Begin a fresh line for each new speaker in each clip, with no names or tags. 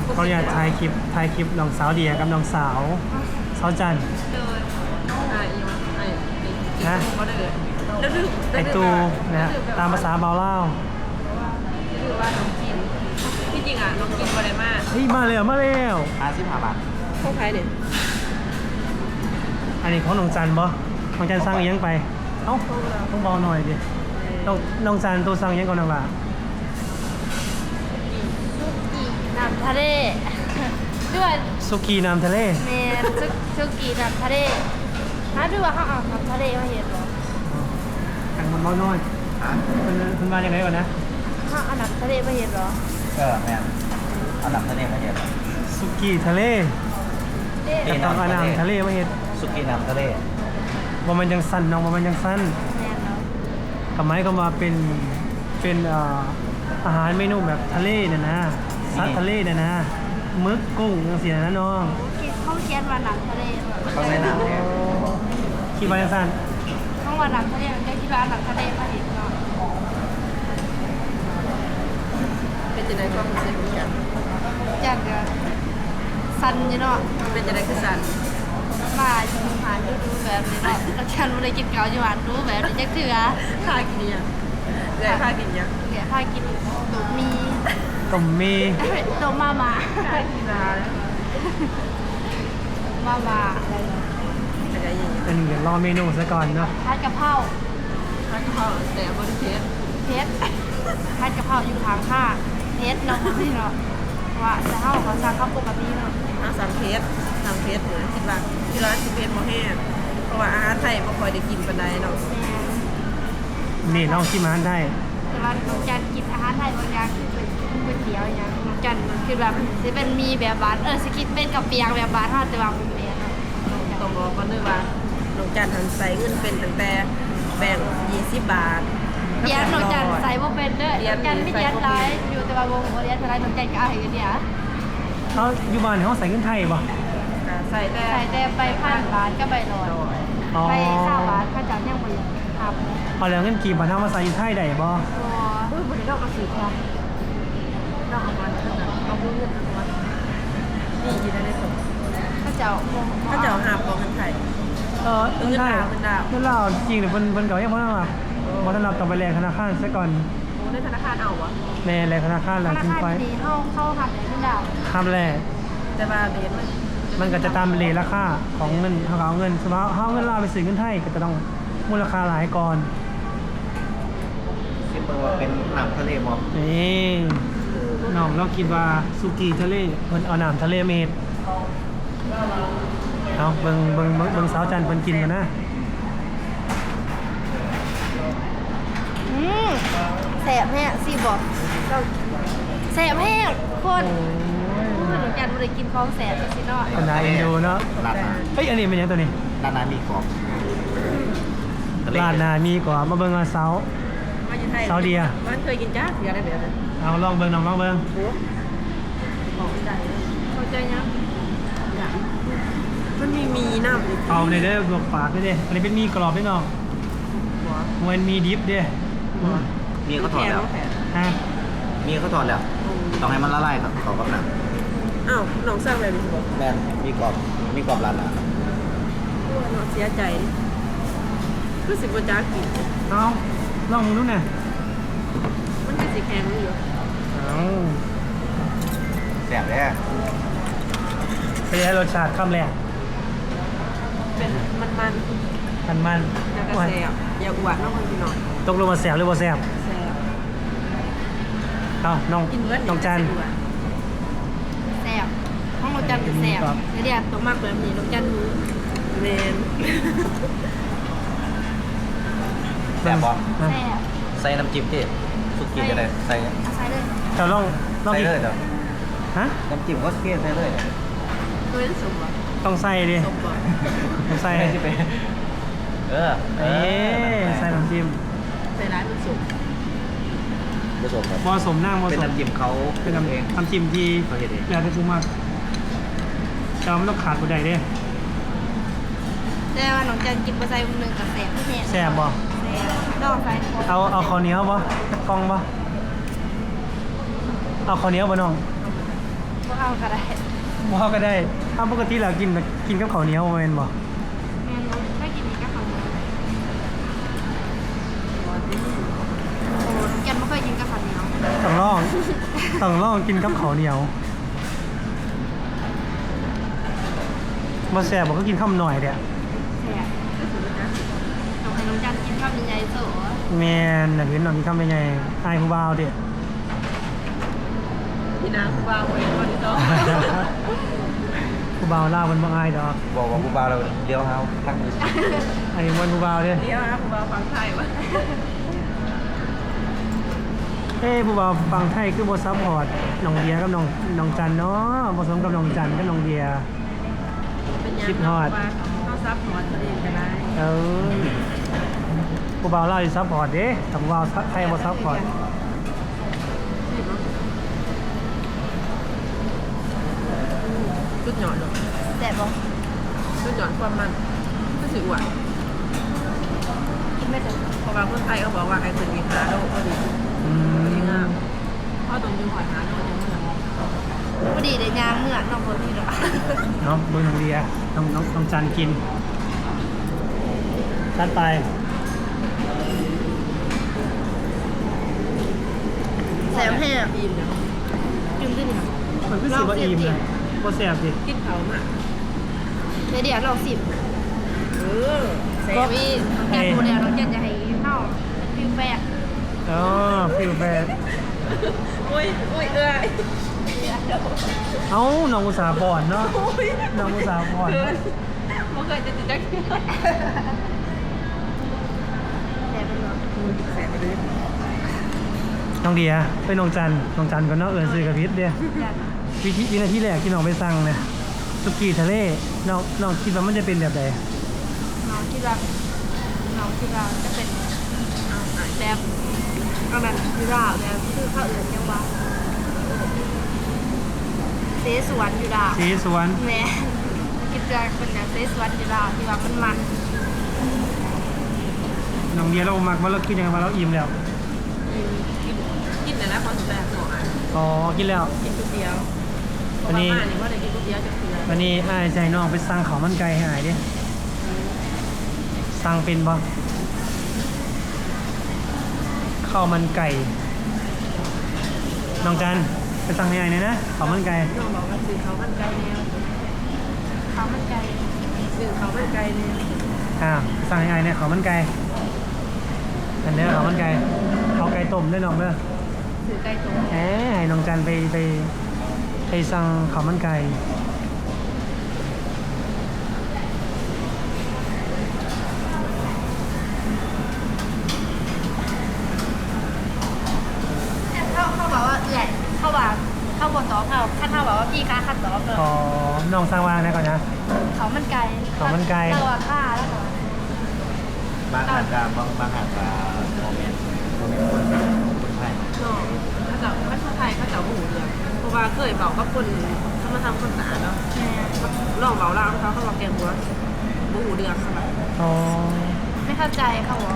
เขาอยากถ่ายคลิปน้องสาวเดียกับน้องสาวจัน
เดิน
นะ
ไอ้เขาเดินแล้วดึก
ไอตูนะตามภาษาเบาเล่า
คือว่าน้องกินที่จริงอ่ะน้องกินอะไรมาก
เฮ้ยมาแล้ว
55 บาท
พวกใครเนี่ย
อันนี้ของน้องจันบ่น้องจันสั่งอีหยังไปเอ้าต้องเบาหน่อยดิน้องจันตัวสั่งอีหยังก่อนนะว่า
น้ำทะเลด้วย
สุกี้น้ำทะเล
เมนซุกี้น้ำทะเลถ้าดูว่าเขาเอาน้ำทะเลมาเห็นหรอ
กันมันเบาหน่อยคุณมาอย่างไรก่อนนะ
เขาเอาน้ำทะเลมาเห็นหรอ
แม่เอาหนังทะเลมาเห็ด
สุกี้ทะเล
เด้
แต่ต้องเอาน้ำทะเลมาเห็ด
สุกี้น้ำทะเล
บ่มันยังสั้นน้องบ่มันยังสั้น
แมนเนาะ
กับไม้ก็มาเป็นอาหารเมนูแบบทะเลเนี่ยนะซัดทะเลเนี่ยนะมึกกุ้งจังซี่นะน้อง
เขาเขียนว่าน้ำทะเล
เขาใส่หนังเนี่ย
คิดว่าจังซั่น
เขาว่าน้ำทะเลมันก็คิดว่าน้ำทะเลมาเห็นเนาะ
เป็นจะได้ก็เป็นเส้นกัน
จังก็สันอยู่เนาะ
เป็นจะได้คือสัน
มาอยู่หาดูแบบนี้เนาะแล้วฉันไม่ได้กินเกาอยู่หานดูแบบนี้จักเถื่อ
ค่ากินยังแต่ค่ากินยัง
เดี๋ยวพากินตุกมี
ต้มมี
ตุกมา
ค่ากินอะไร
อะไรเนาะ
อะไรอย่างเงี้ย
อันนี้เดี๋ยวรอเมนูซะก่อนเนาะ
ผัดกะเพรา
ค่าข้าวแต่บริเทส
เพชรผัดกะเพราอยู่ทางข้าเพชรเนาะพี่เนาะว่าจะเข้าเขาสั่งข้าวปกติเนาะ
สั่งเพสเหมือนคิดว่าที่ร้านคิดเพสโมแห้งเพราะว่าอาหารไทยไม่ค่อยได้กินปันใดเนาะ
นี่ลองชิมอาหารได้
แต่ว่าน้องจันกินอาหารไทยบางอย่างคือเป็นก๋วยเตี๋ยวอย่างน้องจันคือแบบจะเป็นมีแบบบานสกินเป็นกับเปียงแบบบานทอดแต่ว่าเป็นเปียงเนาะ
ต้องบอกก่อนด้วยว่าน้องจันทันใส่เงินเป็นตั้งแต่แบ่ง20 บาท
เปียงน้องจันใส่บ่เป็นเด้อน้องจันไม่เรียนไรอยู่แต่ว่าวงบ่เรียนอะไรน้องจันก็เอาให้กันเดียว
เขาอยู่บ้านเขาใส่เงินไทยป่ะ
ใส่แต่
ใส่แต่ไปผ่านร้านก็ใบลอย
อ๋อ
ไปข้าวร้านข้าวจานยังบ่ยังทำ
เอาแล้วเงินกีบบ้านเขามาใส่อยู่ไทยได้บ่
อุ้ยบริโภคกระสือค่ะนอกออกมาเอาเงินมานี่อยู่ในส่ง
ข้าวเจ้า
ถ้าจะเอาหาบของเงินไทย
เงินไทย
เงินดาว
เงินลาวจริงหรือเพิ่นเก่ายังบ่ได้มาบ่ทันรับต้องไปแลกธนาคารซะก่อน
โอ้ในธนาคารเอาวะ
แน่แลกธนาคาร
ธ
แล้ว
นา
ถึง
คาร
ไป
ดีเข้าหับไหนไม่ดาว
ทำแลก
แต่ว่าเดน
มันก็จะตามเรทราคาของเงินเขาเอาเงินสมมติเขาเอาเงินลาวไปซื้อเงินไทยก็จะต้องมูลค่าหลายก่อน
คิดว่าเป็นหนังทะเลมอง
นี่น้องเราคิดว่าสุกี้ทะเลเพิ่นเอาน้ำทะเลเมดเอาเบิ่งสาวจันทร์เพิ่นกินกันนะ
แสบแห้งสิบอกเราแสบแห้งคนเหมือนกันไม่ได้กินของแสบสิเนาะ
เป็นนายเอ็นดูเนาะ
ลาดนา
เฮ้ยอันนี้เป็นหยังตัวนี้
ลาดนามีกรอบ
ลาดนามีกว่ามาเบิ่งว่าสาว
มาอยู่ไทย
ซาอุดิอะ
มันเคยกินจ้าเสียอะไรแบบนั้น
เอาลองเบิ่งน้องลองเบิ่ง
โอ้บอกไม่ได้เข้าใจยังมันมีน้ำอีก
เอาในเด้อลวกปากด้วยเด้อันนี้เป็นมีกรอบด้วยน้อง
หัว
มันมีดิฟเด้
มีเขาถอดแล้ว
ฮะ
มีเขาถอดแล้วต้องให้มันละลายครับเขากับหนัง
อ้าวน้องสร้างแบบนี้บอก
แม่นมีกรอบลาดนา
น้องเสียใจรู้สึกว่าจ้ากิน
เอาลองดูหน่อย
มันเป็นสีแข็งอยู่
เอา
แซ่บแท้
เป็นไงรสชาติคำแรก
เป็นมัน
มัน
ๆแล้วก็แซ่บอย่าอวดน้องคนพี่น้อง
ตกลงมาแสบหรือบ่แสบ
แซ่บ
เอาน้อง
กินเบิร์ด
น้องจัน
แสบห้องเราจันแสบเดี๋ยวตัวมากแบบนี้เราจันรู้
เมน
แซ่บบ่
นะ
แสบ
ใส่น้ำจิ้มที่สุกี้จะได้ใส่
เอาใส่เลย
เจ้าลอง
ใส่
อีก
เลยเด้อ
ฮะ
น้ำจิ้มก็เกลี่ยใส่เลย
ด้วยสมบัติ
ต้องใส่ดิ
สมบัติ
ต้องใส่
ใส่ที่เป็นเออ
เอ๊ใส่น้ำจิ้ม
ใส่ร้านมันสุก
ผสมครับ
ผสมนั่งผ
เป็น
สม
น้ำจิ้มเขา
เป็นน้ำ
เอง
น้ำจิ้มที่
เขาเฮ็ดเอง
แล้วแต่ชูมากเจ้าไม่ต้องขาดบุใดเด้
แต่ว่าน้องจันกินไปใส่หนึ่งกับแสบที่แน่
แสบบ่
แสบดอกใส่
เอาข้าวเหนียวบ่กล้องบ่เอาข้าวเหนียวบ่น้อง
พวกเอาเอาก็ได้
ว่าก็ได้ถ้าปกติเรากินกับข้าวเหนียวแม่นบ่
แม่นบ่ได้กินนี้ก็ข้าวเหนียวโอ้แกนไม่เคยกินกับข้าวเหนียว
ต้องลองกินกับข้าวเหนียวมาแซ่บบอกก็กินข้าวหน่อยเด้อ
แซ่บต้องให้น้องจันกินข้าวใหญ่ๆโซ่
แม่นน่ะเห็นน้องกินข้าวใหญ่ๆอายผู้บ่าวเด้อ
พี่นางวางไว้ก่อนดีต้อง
ผู้บ่าวลาวมันบ่อายดอก
บอกว่าผู้บ่าวเราเลี้ยวเฮาทักมือ
อันนี้มันผู้บ่าวเด้อ
เดี๋ยวนะผมเอาฟังไทยวะ
ผู้บ่าวฟังไทยคือบ่ซัพพอร์ตน้องเดียกับน้องจันเนาะบ่สมกับน้องจันกับน้องเดีย
เป็นยัง
คิดฮอด
ว่าเขาซับฮอดตัวเองก็ได้
ผู้บ่าวลาวสิซัพพอร์ตเด้แต่ผู้บ่าวไทยบ่ซัพพอร์ต
จุดหย่อนเนาะ
แซ่บบ่
จุดหย่อนความมันก็ถือว่า
กินไม่ถึง
เพราะว่าคนไทยเขาบอกว่าไอ้คนมีหาโลกก็ดี
อื
ดีงาม
ม
เพราะตรงยูหอยหาโลกยังไม่ละมอง
พอดีได้ยางเมื่อน้องคนที่ดอก
เนาะเบิ่งน้องเดียน้องจันกินจัดไป
แซ่บแห้ง
อิ่มเนาะ
จุ่มขึ้นค่ะ
มันคือสิบ่อิ่มเลยบ่แซ่บดิ
กินเขามาก
เดี๋ยวลองสิบ
เออแซ่
ก็
บ
มีแกงโมเดลน้องจันจะให้เข้าฟิวแฟก
อ๋อฟิลแฟร์
อุ้ยเอ้ย
เอ้าน้องอุตสาห์บ่อนเนาะ
อุ้ย
น้องอุตสาห์บ่อน
เกินไม่เคยจะติดจัก
แซ่บเป็นหรอ
แซ่บเลย
น้องเดียไปน้องจันก็เนาะซื้อกับพิษเด้
จัน
วินาทีแรกที่น้องไปสั่งเนี่ยสุกี้ทะเลน้องคิดว่ามันจะเป็นแบบใด
น้องคิดว่าจะเป็นแบบเอาแบบคือดาวแบบคือข้าวอื่นยังว่าเสสวนอยู่ดาว
สีสวน
แม่คิดว่าเป็นแบบเสสวนอยู่ดาวที่ว่ามัน
น้องเดียเรามักว่าเรากินยังไงว่าเราอิ่มแล้ว
กินแต่ละคนแซ่บหน่อย
อ๋อกินแล้ว
กินก๋วยเตี๋ยวเพราะว่าบ้านนี่ว่าได้กินก๋วยเตี๋ยวจะเกลือ
วันนี้อ้ายใจน้องไปสั่งข้าวมันไก่ให้อ้ายดิสั่งเป็นบ่ข้าวมันไก่น้องจันไปสั่งให้อ้ายหน่อยนะข้าวมันไก่
น้องบอกว่าซื้อเขามันไก่แนว
ข้าวมันไก่
ซื้อเขามันไก่แนว
สั่งให้อ้ายเนี่ยข้าวมันไก่อันเนี้ยข้าวมันไก่เอาไก่ต้มด้วยน้องเด้อ
ถือไก่ตุ๋น
ให้น้องจันไปสั่งข้าวมันไก่
เขาบอกว่าใหญ่เขาบอกเขาบอกต่อเขาขั้นเขาบอกว่าพี่ค้าขั้นต่อเกิน
อ๋อน้องสั่งวางได้ก่อนนะ
เขามันไก่
ข้าวมันไก่
เราอะค่าแล้วเหรอบ
างหาดกาบางหาดกาโมเมนต์คนไทย
น้องถ้าเจ้าไทยเขาเจ้าหูเรือเพราะว่าเคยบอกกับคนเขามาทำคนสะอาดเนาะ
แม่
ลองเบาล่างเขาบอกแกงหัวบูหูเดืองใช่ไหม
อ๋อ
ไม่เข้าใจเขาบอก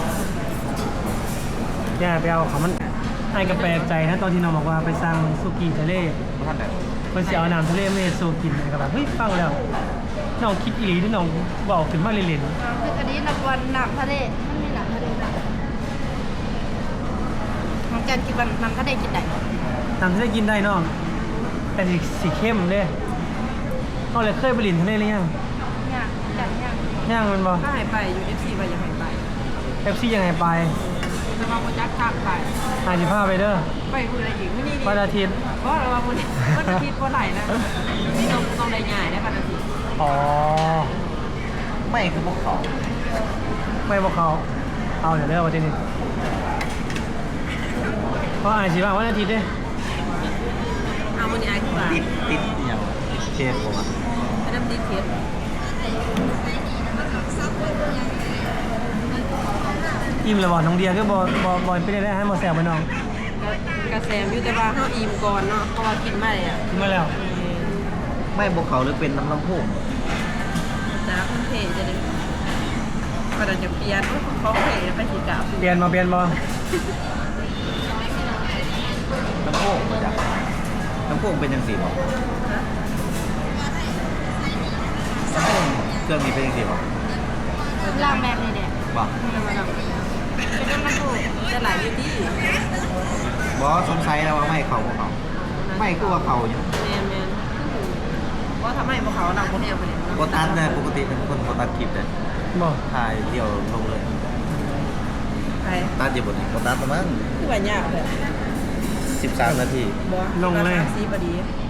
ย่าไปเอาข้าวมันไอ้ก็แปลกใจนะตอนที่น้องบอกว่าไปสั่งสุกี้ทะเล
เพราะท่านแบบ
เพิ่นสิเอาน้ำทะเลมาให้สูกินก็แบบเฮ้ยฟังแล้วน้องคิดอีหลีที่น้องบอกขึ้นมาเล่น
คืออันนี้นับวันหนักทะเลมันมีหนักทะเลหนักน้องจันคิดว่าน้ำทะเลกินได้ไหม
ๆน้ำทะเลกินได้น้องแต่สีเข้มเด้เขาเลยเคยไปลินทะเลหรือยัง
เนี่ยจันเนี่ย
ยังมันบ่
ถ้าหายไปอยู่ FC ว่าอย่าหายไป
เอฟซียังไงไป
จะมาโมจักทางไป
55ไปเด้อ
ไปคุยอะไรอีกไม่นี่
วันอาทิตย์
เพราะเราว่าวันอาทิตย์วันไหนนะนี่ต้องได้ง่ายได้วันอาทิตย์
อ๋อ
ไม่คือพวกเขา
ไม่บอกเขาเอาเดี๋ยวเลิกวันที่นี่เพราะอาชีพวันอาทิตย์เด้
เอาวันนี้ไอ้ที่ว่า
ติดอย่างเชฟผมอ่ะ
เป็นน้ำดิบเค็ม
อิ่มเลยบอกน้องเดียก็บอยไปได้ให้หมอแซวไปน้อง
กระแสมอยู่แต่ว่าเขาอิ่มก่อนเนาะเพราะว่ากินไม่อ่ะ
กินมาแล้ว
ไม่พวกเขาหรือเป็นน้ำลำโพง
จ้าคุณเพจจะได้ก็จะเปลี่ยนเขาเพจไปสีกาบ
เปลี่ยนมา
น้ำโพงมาจากน้ำำโพงเป็นยังสี่บอก
ฮะ
ลำโพงเครื่องนี้เป็นยังสี่บอก
ลามแบบนี้แหละ
บอก
ไม่มาดอก
เป็นน้ำมันถูก
จะหลายอยู่ที่
บอสสงสัยแล้วว่าไม่เขาพวกเขาไม่กูว่าเขาอยู่
แมนว่าทำไมพวกเขานำคนเดียวไปเลย
โบตัสเนี่ยปกติเป็นคนโบตัสคลิปเลย
บอก
ถ่ายเดี่ยวลงเลย
ใคร
ตัดอยู่บนนี้โบตัสประมาณ
ที่ว่ายากเลย
13 นาที
ซีบดี